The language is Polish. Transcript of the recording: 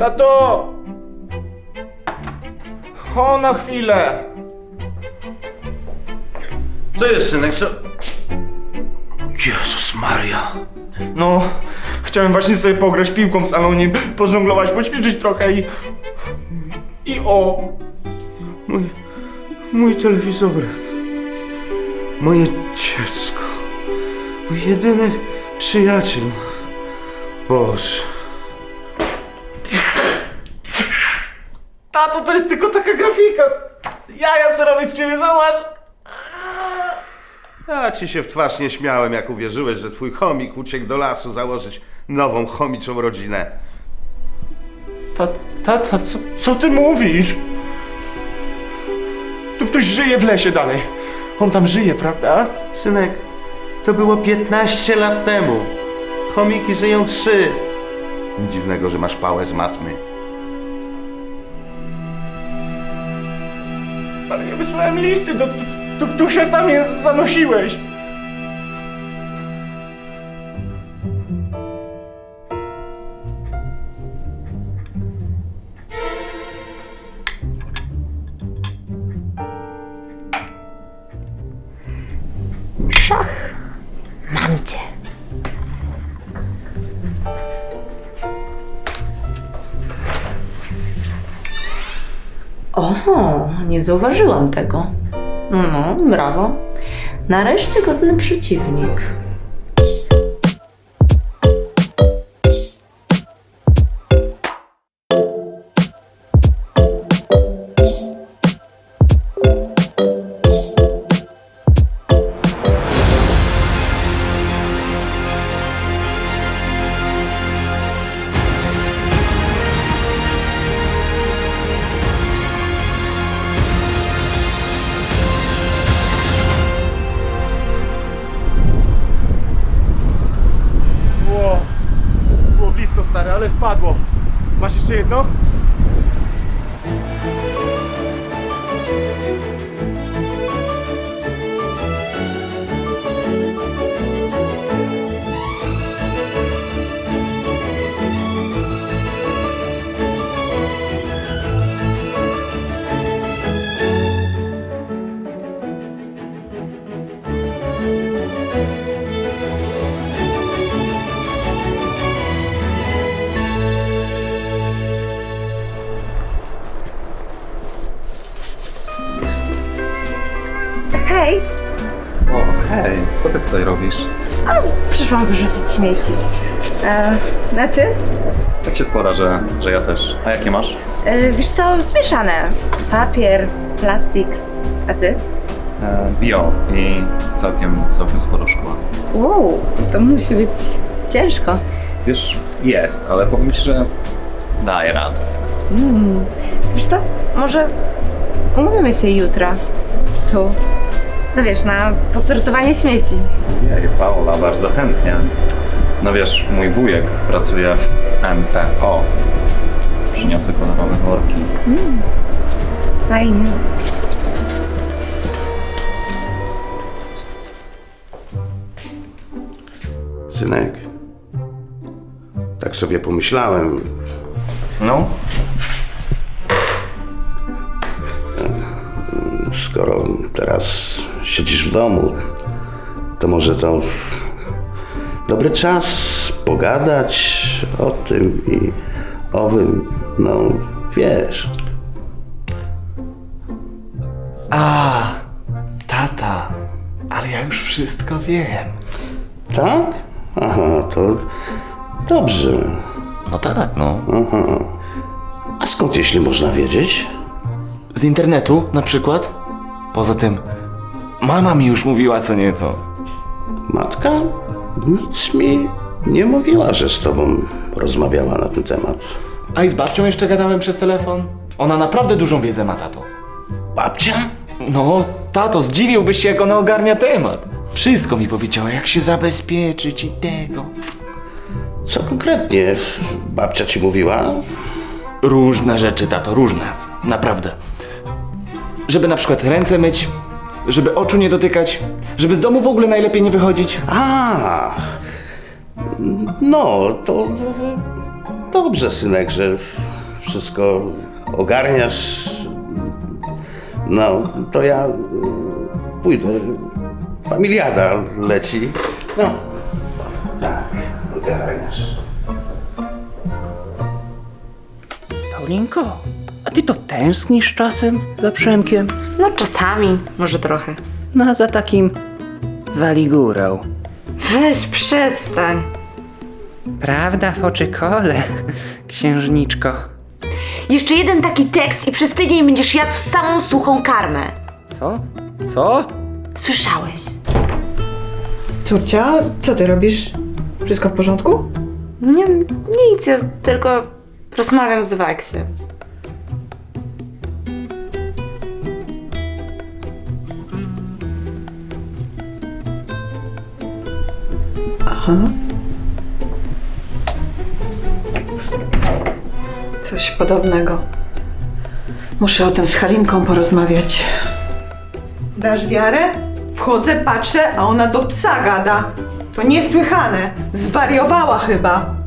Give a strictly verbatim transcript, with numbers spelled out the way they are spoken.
Tato! O, na chwilę! Co jest, synek, co? Jezus Maria. No, chciałem właśnie sobie pograć piłką w salonie, pożonglować, poćwiczyć trochę i... I o! Mój... Mój telewizorek. Moje dziecko. Mój jedyny przyjaciel. Boże. Tato, to jest tylko taka grafika. Jaja se robię z ciebie, zobacz. Ja ci się w twarz nie śmiałem, jak uwierzyłeś, że twój chomik uciekł do lasu założyć nową chomiczą rodzinę. Tata, tata, co, co ty mówisz? Tu ktoś żyje w lesie dalej. On tam żyje, prawda? Synek, to było piętnaście lat temu. Chomiki żyją trzy. Nic dziwnego, że masz pałę z matmy. Ale ja wysłałem listy, do, do, do, tu się sam je zanosiłeś. Szach. Mam cię. Oho, nie zauważyłam tego. No, brawo. Nareszcie godny przeciwnik. Było, było blisko, stary, ale spadło. Masz jeszcze jedno? Hej, O, hej, co ty tutaj robisz? przyszłam wyrzucić śmieci. E, a ty? Tak się składa, że, że ja też. A jakie masz? E, wiesz co, zmieszane. Papier, plastik. A ty? E, bio i całkiem, całkiem sporo szkła. Wow, to musi być ciężko. Wiesz, jest, ale powiem ci, że daję radę. Mm. Wiesz co, może umówimy się jutro. Tu. No wiesz, na posortowanie śmieci. Jej, Paula, bardzo chętnie. No wiesz, mój wujek pracuje w M P O. Przyniosę kolorowe worki. Fajnie. Synek, tak sobie pomyślałem. No, Skoro teraz siedzisz w domu, to może to dobry czas pogadać o tym i owym, no wiesz. A, tata, ale ja już wszystko wiem. Tak? Aha, to dobrze. no tak, no. Aha. A skąd, jeśli można wiedzieć? Z internetu na przykład? Poza tym, mama mi już mówiła co nieco. Matka nic mi nie mówiła, że z tobą rozmawiała na ten temat. A i z babcią jeszcze gadałem przez telefon. Ona naprawdę dużą wiedzę ma, tato. Babcia? No, tato, zdziwiłbyś się, jak ona ogarnia temat. Wszystko mi powiedziała, jak się zabezpieczyć i tego. Co konkretnie babcia ci mówiła? Różne rzeczy, tato, różne. Naprawdę. Żeby na przykład ręce myć, żeby oczu nie dotykać, żeby z domu w ogóle najlepiej nie wychodzić. A, no to dobrze, synek, że wszystko ogarniasz, no to ja mm, pójdę. Familiada leci. No, tak, ogarniasz. Paulinko, a ty to tęsknisz czasem za Przemkiem? No czasami, może trochę. No, za takim waligurą. Weź, przestań. Prawda w oczy kole, księżniczko? Jeszcze jeden taki tekst i przez tydzień będziesz jadł samą suchą karmę. Co? Co? Słyszałeś? Córcia, co ty robisz? Wszystko w porządku? Nie, nic, ja tylko rozmawiam z Waksiem. Aha. Coś podobnego. Muszę o tym z Halinką porozmawiać. Dasz wiarę? Wchodzę, patrzę, a ona do psa gada. To niesłychane. Zwariowała chyba.